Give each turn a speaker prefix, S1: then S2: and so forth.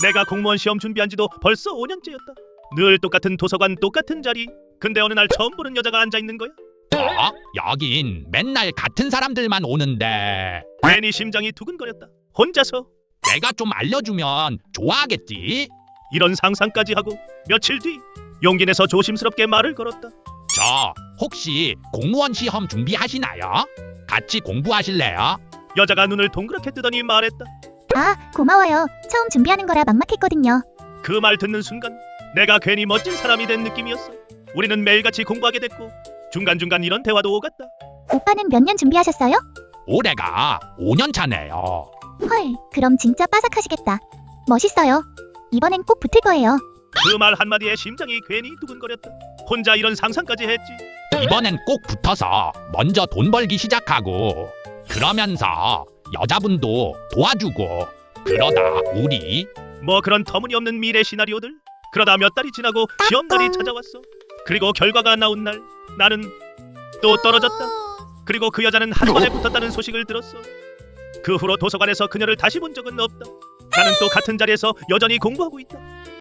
S1: 내가 공무원 시험 준비한 지도 벌써 5년째였다. 늘 똑같은 도서관 똑같은 자리. 근데 어느 날 처음 보는 여자가 앉아있는 거야.
S2: 여긴 맨날 같은 사람들만 오는데
S1: 괜히 심장이 두근거렸다. 혼자서
S2: 내가 좀 알려주면 좋아하겠지?
S1: 이런 상상까지 하고 며칠 뒤 용기 내서 조심스럽게 말을 걸었다.
S2: 저 혹시 공무원 시험 준비하시나요? 같이 공부하실래요?
S1: 여자가 눈을 동그랗게 뜨더니 말했다.
S3: 아, 고마워요. 처음 준비하는 거라 막막했거든요.
S1: 그 말 듣는 순간 내가 괜히 멋진 사람이 된 느낌이었어. 우리는 매일같이 공부하게 됐고 중간중간 이런 대화도 오갔다.
S3: 오빠는 몇 년 준비하셨어요?
S2: 올해가 5년 차네요.
S3: 헐, 그럼 진짜 빠삭하시겠다. 멋있어요. 이번엔 꼭 붙을 거예요.
S1: 그 말 한마디에 심장이 괜히 두근거렸다. 혼자 이런 상상까지 했지.
S2: 이번엔 꼭 붙어서 먼저 돈 벌기 시작하고 그러면서 여자분도 도와주고 그러다 우리
S1: 뭐 그런 터무니없는 미래 시나리오들. 그러다 몇 달이 지나고 시험날이 찾아왔어. 그리고 결과가 나온 날 나는 또 떨어졌다. 그리고 그 여자는 한 번에 붙었다는 소식을 들었어. 그 후로 도서관에서 그녀를 다시 본 적은 없다. 나는 또 같은 자리에서 여전히 공부하고 있다.